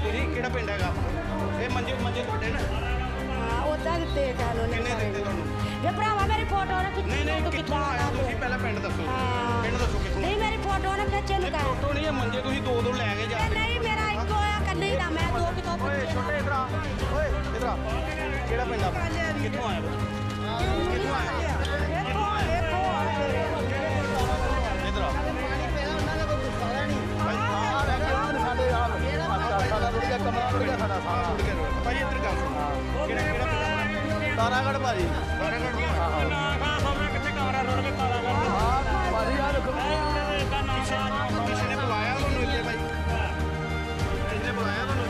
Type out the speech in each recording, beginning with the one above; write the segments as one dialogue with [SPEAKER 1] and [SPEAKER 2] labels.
[SPEAKER 1] ਤੁਸੀਂ ਕਿਹੜਾ ਪਿੰਡ ਹੈਗਾ ਇਹ ਮੰਜੇ ਤੁਹਾਡੇ ਨਾ
[SPEAKER 2] ਉਦਾਂ ਦਿੱਤੇ ਚਾਲੋ ਨੇ
[SPEAKER 1] ਕਿੰਨੇ ਦਿੱਤੇ ਤੁਹਾਨੂੰ
[SPEAKER 2] ਜੇ ਭਰਾਵਾ ਮੇਰੀ ਫੋਟੋ ਨਾ ਖਿੱਚੀ
[SPEAKER 1] ਨਹੀਂ
[SPEAKER 2] ਤੂੰ
[SPEAKER 1] ਕਿੱਥੋਂ ਆਇਆ ਤੁਸੀਂ ਪਹਿਲਾਂ ਪਿੰਡ ਦੱਸੋ ਪਿੰਡ ਦੱਸੋ ਕਿੱਥੋਂ
[SPEAKER 2] ਨਹੀਂ ਮੇਰੀ ਫੋਟੋ ਨਾ ਖਿੱਚੇ ਨੂੰ ਕਰ
[SPEAKER 1] ਫੋਟੋ ਨਹੀਂ ਇਹ ਮੰਜੇ ਤੁਸੀਂ ਦੋ ਲੈ ਕੇ ਜਾ
[SPEAKER 2] ਨਹੀਂ ਮੇਰਾ ਇੱਕੋ ਆ ਕੱਲੀ ਨਾ ਮੈਂ ਦੋ ਕਿਤੋਂ
[SPEAKER 1] ਓਏ ਛੋਟੇ ਇਧਰ ਆ ਓਏ ਇਧਰ ਆ ਕਿਹੜਾ ਪਿੰਡ ਆ ਕਿੱਥੋਂ ਆਇਆ ਕਿੱਥੋਂ ਆਇਆ ਇਧਰ ਆ ਭਾਈ ਇੱਧਰ ਗੱਲ ਸੁਣ ਕਿਹੜਾ ਤਾਰਾਗੜ੍ਹ ਭਾਜੀ ਤਾਰਾਗੜ੍ਹ ਕਿੱਥੇ ਕਮਰਾ ਰੋਡ ਤੇ ਤਾਰਾਗੜ੍ਹ ਭਾਜੀ ਆ ਦੇਖੋ ਕਿਸੇ ਨੇ ਬੁਲਾਇਆ ਤੁਹਾਨੂੰ ਇੱਥੇ ਭਾਈ ਕਿਹਨੇ ਬੁਲਾਇਆ ਤੁਹਾਨੂੰ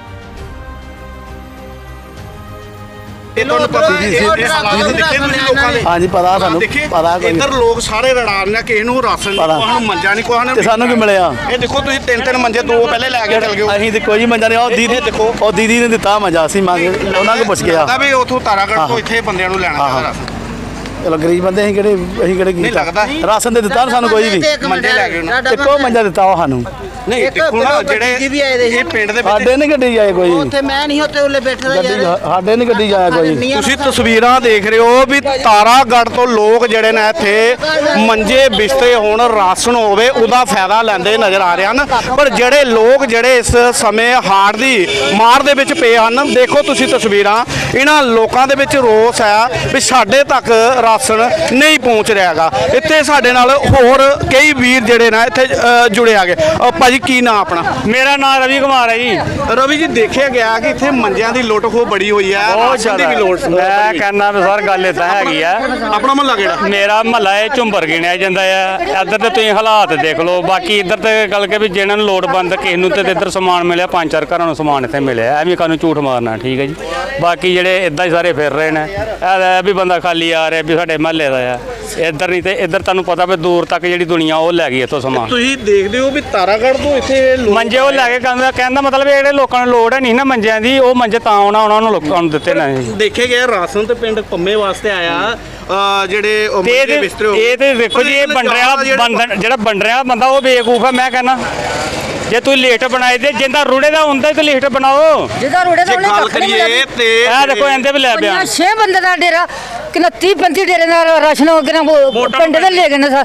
[SPEAKER 1] ਇਹ ਤੁਹਾਨੂੰ ਪਤਾ ਹੈ ਇਹ ਹਾਲਾਤ ਦੇਖੇ ਤੁਸੀਂ ਲੋਕਾਂ ਦੇ
[SPEAKER 3] ਹਾਂਜੀ ਪਤਾ ਸਾਨੂੰ ਪਤਾ ਕੋਈ
[SPEAKER 1] ਇੱਧਰ ਲੋਕ ਸਾਰੇ ਰੜਾਨ ਨੇ ਕਿਸੇ ਨੂੰ ਰਾਸ਼ਨ ਨੂੰ ਮੰਜਾ ਨਹੀਂ ਕੋਈ
[SPEAKER 3] ਤੇ ਸਾਨੂੰ ਕੀ ਮਿਲਿਆ
[SPEAKER 1] ਇਹ ਦੇਖੋ ਤੁਸੀਂ ਤਿੰਨ ਮੰਜੇ ਦੋ ਪਹਿਲੇ ਲੈ ਕੇ ਚਲ ਗਏ
[SPEAKER 3] ਅਸੀਂ ਤੇ ਕੋਈ ਮੰਜਾ ਨਹੀਂ ਉਹ ਦੀਦੀ ਦੇਖੋ ਉਹ ਦੀਦੀ ਨੇ ਦਿੱਤਾ ਮੰਜਾ ਅਸੀਂ ਮੰਗੇ ਉਹਨਾਂ ਕੋਲ ਪੁੱਛ ਗਿਆ
[SPEAKER 1] ਲੱਗਦਾ ਵੀ ਉਥੋਂ ਤਾਰਾਗੜ੍ਹ ਤੋਂ ਇੱਥੇ ਬੰਦਿਆਂ ਨੂੰ ਲੈਣਾ ਚਾਹੀਦਾ ਰਾਸ਼ਨ
[SPEAKER 3] ਚਲੋ ਗਰੀਬ ਬੰਦੇ ਅਸੀਂ ਕਿਹੜੇ
[SPEAKER 1] ਨਹੀਂ ਲੱਗਦਾ
[SPEAKER 3] ਰਾਸ਼ਨ ਦੇ ਦਿੱਤਾ ਸਾਨੂੰ ਕੋਈ ਵੀ
[SPEAKER 1] ਮੰਜੇ ਲੈ ਕੇ ਉਹਨਾਂ
[SPEAKER 3] ਇੱਕੋ ਮੰਜਾ ਦਿੱਤਾ ਉਹ ਸਾਨੂੰ
[SPEAKER 1] ਨਹੀਂ ਦੇਖੋ ਨਾ ਜਿਹੜੇ ਇਹ ਪਿੰਡ ਦੇ ਵਿੱਚ
[SPEAKER 3] ਸਾਡੇ ਨਹੀਂ ਗੱਡੀ ਜਾਏ ਕੋਈ
[SPEAKER 4] ਉੱਥੇ ਮੈਂ ਨਹੀਂ ਉੱਥੇ ਉਹਲੇ ਬੈਠਾ
[SPEAKER 3] ਗੱਡੀ ਸਾਡੇ ਨਹੀਂ ਗੱਡੀ ਜਾਇਆ ਕੋਈ
[SPEAKER 1] ਤੁਸੀਂ ਤਸਵੀਰਾਂ ਦੇਖ ਰਹੇ ਹੋ ਵੀ ਤਾਰਾਗੜ੍ਹ ਤੋਂ ਲੋਕ ਜਿਹੜੇ ਨੇ ਇੱਥੇ ਮੰਜੇ ਬਿਸਤਰੇ ਹੋਣ ਰਾਸ਼ਨ ਹੋਵੇ ਉਹਦਾ ਫਾਇਦਾ ਲੈਂਦੇ ਨਜ਼ਰ ਆ ਰਹੇ ਹਨ ਪਰ ਜਿਹੜੇ ਲੋਕ ਜਿਹੜੇ ਇਸ ਸਮੇਂ ਹਾੜ ਦੀ ਮਾਰ ਦੇ ਵਿੱਚ ਪਏ ਹਨ ਦੇਖੋ ਤੁਸੀਂ ਤਸਵੀਰਾਂ ਇਹਨਾਂ ਲੋਕਾਂ ਦੇ ਵਿੱਚ ਰੋਸ ਹੈ ਵੀ ਸਾਡੇ ਤੱਕ ਰਾਸ਼ਨ ਨਹੀਂ ਪਹੁੰਚ ਰਿਹਾਗਾ ਇੱਥੇ ਸਾਡੇ ਨਾਲ ਹੋਰ ਕਈ ਵੀਰ ਜਿਹੜੇ ਨੇ ਇੱਥੇ ਜੁੜੇ ਆਗੇ ਭਾਜੀ ਕੀ ਨਾਂ ਆਪਣਾ
[SPEAKER 5] ਮੇਰਾ ਨਾਮ ਰਵੀ ਕੁਮਾਰ ਹੈ ਜੀ
[SPEAKER 1] ਰਵੀ ਜੀ ਦੇਖਿਆ ਗਿਆ ਕਿ ਇੱਥੇ ਮੰਜਿਆਂ ਦੀ ਲੁੱਟ ਖੋਹ ਬੜੀ ਹੋਈ ਹੈ
[SPEAKER 5] ਬਹੁਤ
[SPEAKER 1] ਰਾਸ਼ਨ ਦੀ
[SPEAKER 5] ਜ਼ਿਆਦਾ
[SPEAKER 1] ਵੀ ਲੋੜ
[SPEAKER 5] ਮੈਂ ਕਹਿੰਦਾ ਵੀ ਸਰ ਗੱਲ ਇਦਾਂ ਹੈਗੀ ਆ
[SPEAKER 1] ਆਪਣਾ ਮਹੱਲਾ ਕਿਹੜਾ
[SPEAKER 5] ਮੇਰਾ ਮਹੱਲਾ ਇਹ ਝੁੰਬਰ ਗਿਣਿਆ ਜਾਂਦਾ ਆ ਇੱਧਰ ਤੇ ਤੁਸੀਂ ਹਾਲਾਤ ਦੇਖ ਲਓ ਬਾਕੀ ਇੱਧਰ ਤੇ ਗੱਲ ਕੇ ਵੀ ਜਿਹਨਾਂ ਨੂੰ ਲੋੜਵੰਦ ਕਿਸੇ ਨੂੰ ਤੇ ਇੱਧਰ ਸਮਾਨ ਮਿਲਿਆ 5-4 ਘਰਾਂ ਨੂੰ ਸਮਾਨ ਇੱਥੇ ਮਿਲਿਆ ਐਵੇਂ ਕਾਹਨੂੰ ਝੂਠ ਮਾਰਨਾ ਠੀਕ ਹੈ ਜੀ ਬਾਕੀ ਜਿਹੜੇ ਇਦਾਂ ਹੀ ਸਾਰੇ ਫਿਰ ਰਹੇ ਨੇ ਇਹ ਵੀ ਬੰਦਾ ਖਾਲੀ ਆ ਰਿਹਾ ਵੀ ਸਾਡੇ ਮਹੱਲੇ ਦਾ ਆ ਇੱਧਰ ਨਹੀਂ ਤੇ ਇੱਧਰ ਤੁਹਾਨੂੰ ਪਤਾ ਵੀ ਦੂਰ ਤੱਕ ਜਿਹੜੀ ਦੁਨੀਆ ਉਹ ਲੈ ਗਈ ਇੱਥੋਂ ਸਮਾਨ
[SPEAKER 1] ਤੁਸੀਂ ਦੇਖਦੇ ਹੋ ਵੀ ਤਾਰਾਗੜ੍ਹ ਤੋਂ ਇੱਥੇ
[SPEAKER 5] ਮੰਜੇ ਉਹ ਲੈ ਕੇ ਕਹਿੰਦਾ ਮਤਲਬ ਜਿਹੜੇ ਲੋਕਾਂ ਨੂੰ ਲੋੜ ਹੈ ਨਹੀਂ ਨਾ ਮੰਜਿਆਂ ਦੀ ਉਹ ਮੰਜੇ ਤਾਂ ਉਹਨਾਂ ਨੂੰ ਲੋਕਾਂ ਨੂੰ ਦਿੱਤੇ ਨਾ
[SPEAKER 1] ਦੇਖੇ ਗਏ ਰਾਸ਼ਨ ਤੇ ਪਿੰਡ ਪੰਮੇ ਵਾਸਤੇ ਆਇਆ ਜਿਹੜੇ ਮੰਜੇ ਬਿਸਤਰੇ
[SPEAKER 5] ਇਹ ਤੇ ਵੇਖੋ ਜੀ ਇਹ ਬੰਡਰਿਆਂ ਜਿਹੜਾ ਬੰਡਰਿਆਂ ਬੰਦਾ ਉਹ ਬੇਵਕੂਫ ਹੈ ਮੈਂ ਕਹਿੰਦਾ ਜੇ ਤੁਸੀਂ ਲਿਸਟ ਬਣਾਈ ਦੇ ਜਿੰਦਾ ਰੂੜੇ ਦਾ ਹੁੰਦਾ ਤੇ ਲਿਸਟ ਬਣਾਓ
[SPEAKER 2] ਜਿਹਦਾ ਰੋੜੇ ਦਾ ਉਹਨੇ
[SPEAKER 1] ਗੱਲ ਕਰੀਏ ਤੇ
[SPEAKER 5] ਇਹ ਦੇਖੋ ਇਹਦੇ ਵੀ ਲੈ ਪਿਆ
[SPEAKER 2] 6 ਬੰਦੇ ਦਾ ਡੇਰਾ ਕਿੰਨਾ 30-35 ਡੇਰੇ ਦਾ ਰਾਸ਼ਨ ਹੋ ਗਿਆ ਪਿੰਡ ਦੇ ਲੈ ਗਏ ਨੇ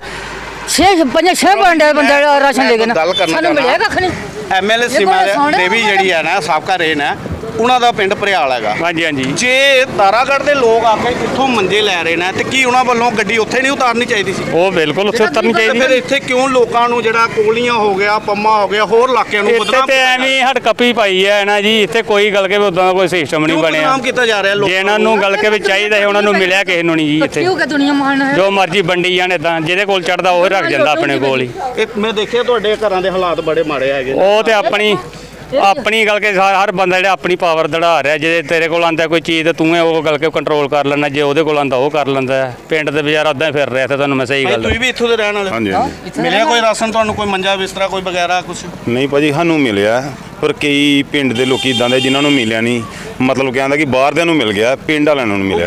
[SPEAKER 2] 6 ਬੰਦੇ ਰਾਸ਼ਨ ਲੈ ਗਏ ਨੇ ਸਾਨੂੰ ਮਿਲਿਆ ਕੱਖ ਨਹੀਂ
[SPEAKER 1] ਐਮਐਲਏ ਸੀਮਾ ਦੇਵੀ ਜਿਹੜੀ ਹੈ ਨਾ ਸਾਬਕਾ ਰੇਨ ਹੈ ਉਹਨਾਂ ਦਾ ਪਿੰਡ ਭਰਿਆਲ ਹੈਗਾ
[SPEAKER 5] ਹਾਂਜੀ ਹਾਂਜੀ
[SPEAKER 1] ਜੇ ਤਾਰਾਗੜ੍ਹ ਦੇ ਲੋਕ ਆ ਕੇ ਇੱਥੋਂ ਮੰਜੇ ਲੈ ਰਹੇ ਨੇ ਤੇ ਕੀ ਉਹਨਾਂ ਵੱਲੋਂ ਗੱਡੀ ਉੱਥੇ ਨਹੀਂ ਉਤਾਰਨੀ ਚਾਹੀਦੀ ਸੀ
[SPEAKER 5] ਉਹ ਬਿਲਕੁਲ ਉੱਥੇ ਉਤਰਨੀ
[SPEAKER 1] ਫਿਰ
[SPEAKER 5] ਚਾਹੀਦੀ
[SPEAKER 1] ਇੱਥੇ ਕਿਉਂ ਲੋਕਾਂ ਨੂੰ ਜਿਹੜਾ ਕੋਲੀਆਂ ਹੋ ਗਿਆ ਪੰਮਾ ਹੋ ਗਿਆ ਹੋਰ ਇਲਾਕਿਆਂ ਨੂੰ
[SPEAKER 5] ਇੱਥੇ ਤੇ ਐਵੇਂ ਹੜਕੱਪੀ ਪਾਈ ਹੈ ਨਾ ਜੀ ਇੱਥੇ ਕੋਈ ਗੱਲ ਕੇ ਉਦਾਂ ਦਾ ਕੋਈ ਸਿਸਟਮ ਨਹੀਂ ਬਣਿਆ
[SPEAKER 1] ਬਦਨਾਮ ਕੀਤਾ ਜਾ ਰਿਹਾ
[SPEAKER 5] ਜੇ ਇਹਨਾਂ ਨੂੰ ਗੱਲ ਕੇ ਵੀ ਚਾਹੀਦਾ ਹੈ ਉਹਨਾਂ ਨੂੰ ਮਿਲਿਆ ਕਿਸੇ ਨੂੰ ਨਹੀਂ ਜੀ ਇੱਥੇ
[SPEAKER 2] ਕਿਉਂ ਕਿ ਦੁਨੀਆ ਮਹਾਨ ਹੈ
[SPEAKER 5] ਜੋ ਮਰਜ਼ੀ ਵੰਡੀ ਜਾਣ ਇਦਾਂ ਜਿਹਦੇ ਕੋਲ ਚੜਦਾ ਉਹ ਰੱਖ ਜਾਂਦਾ ਆਪਣੇ ਕੋਲ ਹੀ
[SPEAKER 1] ਮੈਂ ਦੇਖਿਆ ਤੁਹਾਡੇ ਘਰਾਂ ਦੇ ਹਾਲਾਤ ਬੜੇ ਮਾੜੇ ਹੈਗੇ
[SPEAKER 5] ਉਹ ਤੇ ਆਪਣੀ ਗੱਲ ਕੇ ਹਰ ਬੰਦਾ ਜਿਹੜਾ ਆਪਣੀ ਪਾਵਰ ਦੜਾ ਰਿਹਾ ਜੇ ਤੇਰੇ ਕੋਲ ਆਂਦਾ ਕੋਈ ਚੀਜ਼ ਤੇ ਤੂੰ ਉਹ ਗੱਲ ਕੇ ਕੰਟਰੋਲ ਕਰ ਲੈਣਾ ਜੇ ਉਹਦੇ ਕੋਲ ਆਂਦਾ ਉਹ ਕਰ ਲੈਂਦਾ ਪਿੰਡ ਦੇ ਬਾਜ਼ਾਰ ਉਦਾਂ ਹੀ ਫਿਰ ਰਿਹਾ ਤੇ ਤੁਹਾਨੂੰ ਮੈਂ ਸਹੀ ਗੱਲ
[SPEAKER 1] ਤੁਸੀਂ ਵੀ ਇੱਥੋਂ ਦੇ ਰਹਿਣ ਵਾਲੇ
[SPEAKER 6] ਹਾਂਜੀ
[SPEAKER 1] ਮਿਲਿਆ ਕੋਈ ਰਾਸ਼ਨ ਤੁਹਾਨੂੰ ਕੋਈ ਮੰਜਾ ਬਿਸਤਰਾ ਕੋਈ ਵਗੈਰਾ ਕੁਝ
[SPEAKER 6] ਨਹੀਂ ਭਾਜੀ ਸਾਨੂੰ ਮਿਲਿਆ ਪਰ ਕਈ ਪਿੰਡ ਦੇ ਲੋਕੀ ਇਦਾਂ ਦੇ ਜਿਨ੍ਹਾਂ ਨੂੰ ਮਿਲਿਆ ਨਹੀਂ ਮਤਲਬ ਕਹਿੰਦਾ ਕਿ ਬਾਹਰ ਦਿਆਂ ਨੂੰ ਮਿਲ ਗਿਆ ਪਿੰਡ ਵਾਲਿਆਂ ਨੂੰ ਮਿਲਿਆ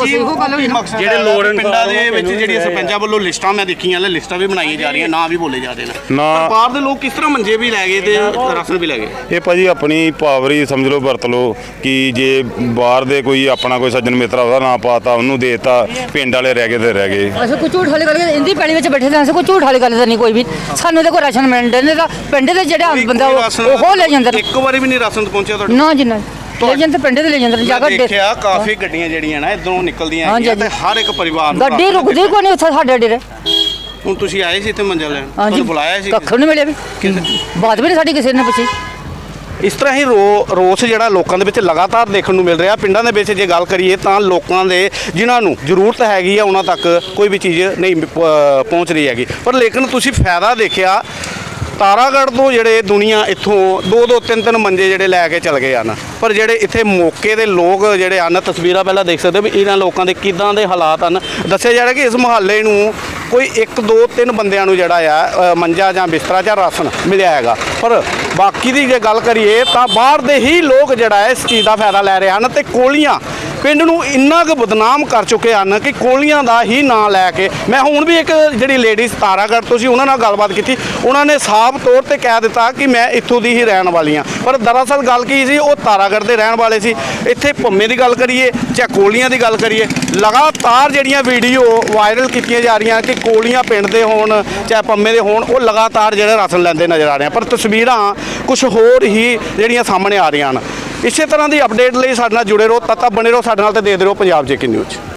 [SPEAKER 1] ਜਿਹੜੇ ਲੋੜ ਪਿੰਡਾਂ ਦੇ ਵਿੱਚ ਜਿਹੜੀਆਂ ਸਰਪੰਚਾਂ ਵੱਲੋਂ ਲਿਸਟਾਂ ਮੈਂ ਦੇਖੀਆਂ ਨੇ ਲਿਸਟਾਂ ਵੀ ਬਣਾਈਆਂ ਜਾ ਰਹੀਆਂ ਨਾਂ ਵੀ ਬੋਲੇ ਜਾ ਰਹੇ ਨੇ ਪਰ ਬਾਹਰ ਦੇ ਲੋਕ ਕਿਸ ਤਰ੍ਹਾਂ ਮੰਜੇ ਵੀ ਲੈ ਗਏ ਤੇ ਰਾਸ਼ਨ ਵੀ ਲੈ ਗਏ
[SPEAKER 6] ਇਹ ਭਾਜੀ ਆਪਣੀ ਪਾਵਰ ਹੀ ਸਮਝ ਲਓ ਵਰਤ ਲਓ ਕਿ ਜੇ ਬਾਹਰ ਦੇ ਕੋਈ ਆਪਣਾ ਕੋਈ ਸੱਜਣ ਮਿੱਤਰ ਉਹਦਾ ਨਾਂ ਪਾਤਾ ਉਹਨੂੰ ਦੇਤਾ ਪਿੰਡ ਵਾਲੇ ਰਹਿ ਗਏ ਤੇ ਰਹਿ ਗਏ
[SPEAKER 2] ਅਸੀਂ ਕੋਈ ਝੂਠ ਵਾਲੀ ਗੱਲ ਇੰਦੀ ਪੈਲੀ ਵਿੱਚ ਬੈਠੇ ਤਾਂ ਅਸੀਂ ਕੋਈ ਝੂਠ ਵਾਲੀ ਗੱਲ ਤਾਂ ਨਹੀਂ ਕੋਈ ਵੀ ਸਾਨੂੰ ਤੇ ਕੋਈ ਰਾਸ਼ਨ ਮਿਲਣ ਦੇ ਤਾਂ ਪਿੰਡ ਦੇ ਜਿਹੜੇ ਬੰਦਾ ਉਹ ਲੈ ਜਾਂਦੇ
[SPEAKER 1] ਇੱਕ ਵਾਰੀ ਵੀ ਨਹੀਂ ਰਾਸ਼ਨ ਪਹੁੰਚਿਆ ਤੁਹਾਡੇ
[SPEAKER 2] ਨਾ ਜੀ ਨਾ ਲੈ ਜਾਂਦੇ ਪਿੰਡ ਦੇ ਲੈ ਜਾਂਦੇ ਜਾ ਕੇ
[SPEAKER 1] ਦੇਖਿਆ ਕਾਫੀ ਗੱਡੀਆਂ ਜਿਹੜੀਆਂ ਨਾ ਇਧਰੋਂ ਨਿਕਲਦੀਆਂ ਹੈਗੀਆਂ ਤੇ ਹਰ ਇੱਕ ਪਰਿਵਾਰ ਨੂੰ
[SPEAKER 2] ਗੱਡੀ ਰੁਕਦੀ ਕੋਈ ਨਹੀਂ ਉੱਥੇ ਸਾਡੇ ਡੇਰੇ
[SPEAKER 1] ਹੁਣ ਤੁਸੀਂ ਆਏ ਸੀ ਇੱਥੇ ਮੰਜਾ ਲੈਣ
[SPEAKER 2] ਹਾਂਜੀ
[SPEAKER 1] ਤੁਹਾਨੂੰ ਬੁਲਾਇਆ ਸੀ
[SPEAKER 2] ਕੱਖ ਨਹੀਂ ਮਿਲਿਆ ਵੀ ਬਾਤ ਵੀ ਨਹੀਂ ਸਾਡੀ ਕਿਸੇ ਨੇ ਪੁੱਛੀ
[SPEAKER 1] ਇਸ ਤਰ੍ਹਾਂ ਹੀ ਰੋਸ ਜਿਹੜਾ ਲੋਕਾਂ ਦੇ ਵਿੱਚ ਲਗਾਤਾਰ ਦੇਖਣ ਨੂੰ ਮਿਲ ਰਿਹਾ ਪਿੰਡਾਂ ਦੇ ਵਿੱਚ ਜੇ ਗੱਲ ਕਰੀਏ ਤਾਂ ਲੋਕਾਂ ਦੇ ਜਿਨ੍ਹਾਂ ਨੂੰ ਜ਼ਰੂਰਤ ਹੈਗੀ ਆ ਉਹਨਾਂ ਤੱਕ ਕੋਈ ਵੀ ਚੀਜ਼ ਨਹੀਂ ਪਹੁੰਚ ਰਹੀ ਹੈਗੀ ਪਰ ਲੇਕਿਨ ਤੁਸੀਂ ਫਾਇਦਾ ਦੇਖਿਆ ਤਾਰਾਗੜ੍ਹ ਤੋਂ ਜਿਹੜੇ ਦੁਨੀਆ ਇੱਥੋਂ 2-2 3-3 ਮੰਜੇ ਜਿਹੜੇ ਲੈ ਕੇ ਚਲ ਗਏ ਹਨ ਪਰ ਜਿਹੜੇ ਇੱਥੇ ਮੌਕੇ ਦੇ ਲੋਕ ਜਿਹੜੇ ਹਨ ਤਸਵੀਰਾਂ ਪਹਿਲਾਂ ਦੇਖ ਸਕਦੇ ਵੀ ਇਹਨਾਂ ਲੋਕਾਂ ਦੇ ਕਿੱਦਾਂ ਦੇ ਹਾਲਾਤ ਹਨ ਦੱਸਿਆ ਜਾ ਰਿਹਾ ਕਿ ਇਸ ਮੁਹੱਲੇ ਨੂੰ ਕੋਈ 1-2-3 ਬੰਦਿਆਂ ਨੂੰ ਜਿਹੜਾ ਆ ਮੰਜਾ ਜਾਂ ਬਿਸਤਰਾ ਜਾਂ ਰਾਸ਼ਨ ਮਿਲਿਆ ਹੈਗਾ ਪਰ ਬਾਕੀ ਦੀ ਜੇ ਗੱਲ ਕਰੀਏ ਤਾਂ ਬਾਹਰ ਦੇ ਹੀ ਲੋਕ ਜਿਹੜਾ ਇਸ ਚੀਜ਼ ਦਾ ਫਾਇਦਾ ਲੈ ਰਹੇ ਹਨ ਤੇ ਕੋਲੀਆਂ ਪਿੰਡ ਨੂੰ ਇੰਨਾ ਕੁ ਬਦਨਾਮ ਕਰ ਚੁੱਕੇ ਹਨ ਕਿ ਕੋਲੀਆਂ ਦਾ ਹੀ ਨਾਂ ਲੈ ਕੇ ਮੈਂ ਹੁਣ ਵੀ ਇੱਕ ਜਿਹੜੀ ਲੇਡੀਜ਼ ਤਾਰਾਗੜ੍ਹ ਤੋਂ ਸੀ ਉਹਨਾਂ ਨਾਲ ਗੱਲਬਾਤ ਕੀਤੀ। ਉਹਨਾਂ ਨੇ ਸਾਫ਼ ਤੌਰ ਤੇ ਕਹਿ ਦਿੱਤਾ ਕਿ ਮੈਂ ਇੱਥੋਂ ਦੀ ਹੀ ਰਹਿਣ ਵਾਲੀ ਹਾਂ, ਪਰ ਦਰਅਸਲ ਗੱਲ ਕੀ ਸੀ, ਉਹ ਤਾਰਾਗੜ੍ਹ ਦੇ ਰਹਿਣ ਵਾਲੇ ਸੀ। ਇੱਥੇ ਭੰਮੇ ਦੀ ਗੱਲ ਕਰੀਏ ਚਾਹੇ ਕੋਲੀਆਂ ਦੀ ਗੱਲ ਕਰੀਏ, ਲਗਾਤਾਰ ਜਿਹੜੀਆਂ ਵੀਡੀਓ ਵਾਇਰਲ ਕੀਤੀਆਂ ਜਾ ਰਹੀਆਂ ਕਿ ਕੋਲੀਆਂ ਪਿੰਡ ਦੇ ਹੋਣ ਚਾਹੇ ਪੰਮੇ ਦੇ ਹੋਣ, ਉਹ ਲਗਾਤਾਰ ਜਿਹੜੇ ਰਾਸ਼ਨ ਲੈਂਦੇ ਨਜ਼ਰ ਆ ਰਹੇ ਆ, ਪਰ ਤਸਵੀਰਾਂ ਕੁਝ ਹੋਰ ਹੀ ਜਿਹੜੀਆਂ ਸਾਹਮਣੇ ਆ ਰਹੀਆਂ ਹਨ। ਇਸੇ ਤਰ੍ਹਾਂ ਦੀ ਅਪਡੇਟ ਲਈ ਸਾਡੇ ਨਾਲ ਜੁੜੇ ਰਹੋ, ਤਦ ਤੱਕ ਬਣੇ ਰਹੋ ਸਾਡੇ ਨਾਲ ਤੇ ਦੇਖਦੇ ਰਹੋ ਪੰਜਾਬ ਜੇਕੇ ਨਿਊਜ਼।